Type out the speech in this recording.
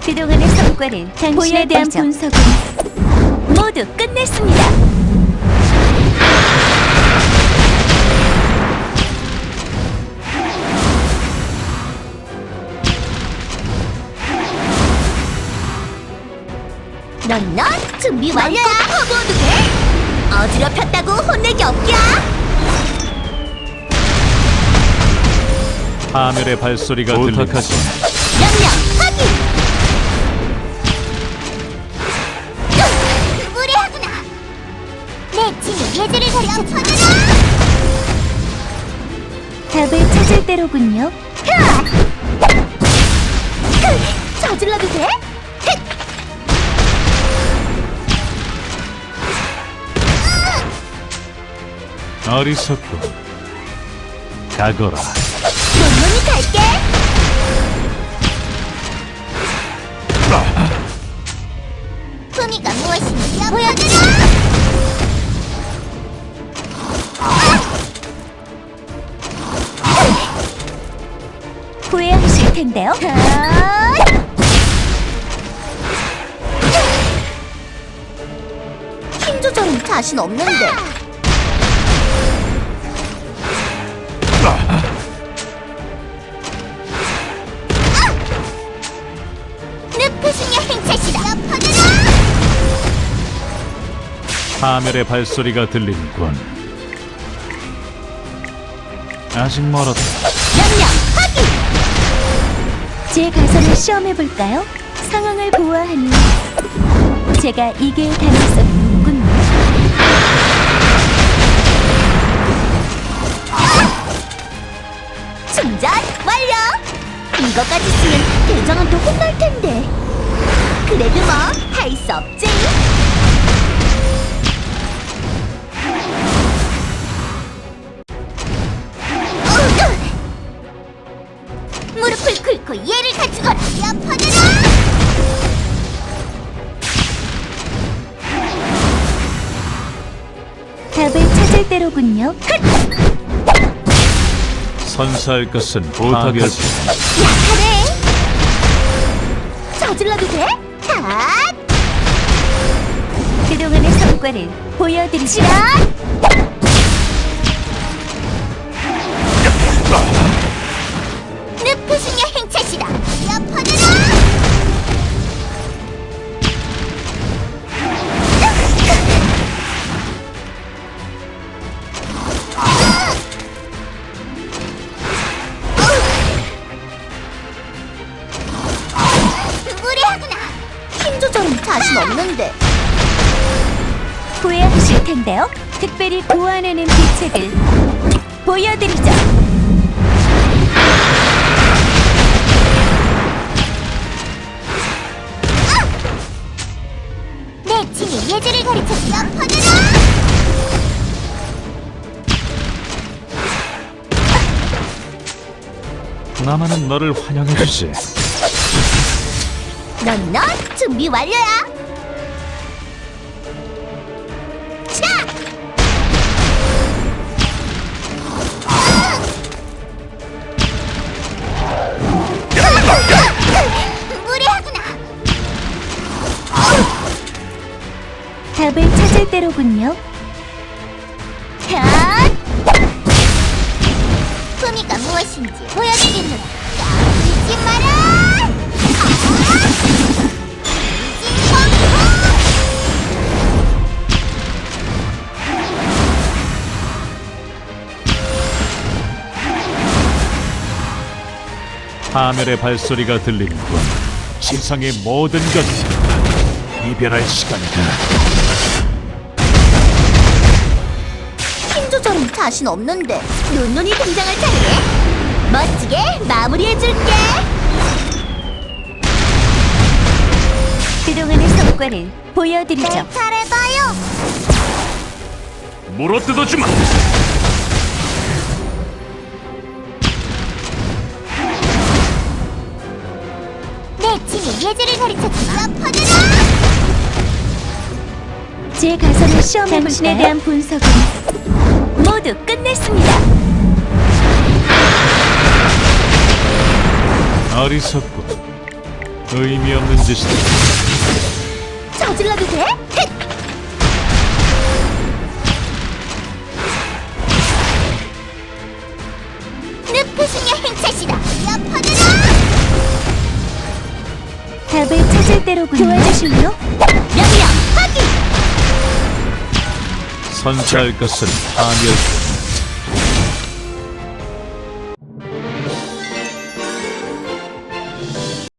그동안의 성과를 당신에 대한 분석은 모두 끝냈습니다. 넌 준비 완료야. 커버도 돼? 어지럽혔다고 혼내기 없냐? 파멸의 발소리가 들린다. 명령 확인. 무례하구나. 내 친히 예절을 가르쳐주마. 답을 찾을 때로군요. 저질러도 돼? 어리석고 가거라. 논문이 갈게. 품위가 무엇인지 보여주라. 후회하실 텐데요. 힘 조절은 자신 없는데. 늪푸승의 행차시다. 파멸의 발소리가 들리는군. 아직 멀었다. 명령 확인. 제 가설을 시험해볼까요? 상황을 보아하니 제가 이길 가능성이 높군요. 충전 완료! 이거까지 쓰면 대장한테 혼날 텐데. 그래도 뭐 할 수 없지. 무릎을 꿇고 얘를 가지거라. 엎어져라. 답을 찾을 때로군요. 선사할 것은 부탁할 뿐. 약하네. 저질러도 돼? 핫! 그동안의 성과를 보여드리시라. 늪푸승의 행차시다. 엎어져라. 무례하구나. 힘 조절은 자신 없는데. 후회하실 텐데요. 특별히 보완하는 비책을 보여드리죠. 내 친히 예절을 가르쳐주마. 엎어져라. 나만은 너를 환영해주지. 넌 준비 완료야. 자! 무례하구나. 답을 찾을 때로군요. 샷! 품위가 무엇인지 보여주겠노라. 까불지 마라. 파멸의 발소리가 들리는군. 세상의 모든 것을 이별할 시간이다. 힘 조절은 자신 없는데 논논이 등장할 차례네. 멋지게 마무리해줄게. 그동안의 성과를 보여드리죠. 내 차례다요. 물어뜯어주마. 내 친히 예절을 가르쳐주마. 엎어져라. 제 가설을 시험해볼까요? 당신에 대한 분석은 모두 끝냈습니다. 어리석고 의미 없는 짓이다. 저질러도 돼? 헷! 늪푸시냐 행차시다. 엿퍼져라! 답을 찾을 때로군요. 도와주실래요? 명령 확인! 선사할 것은 파멸.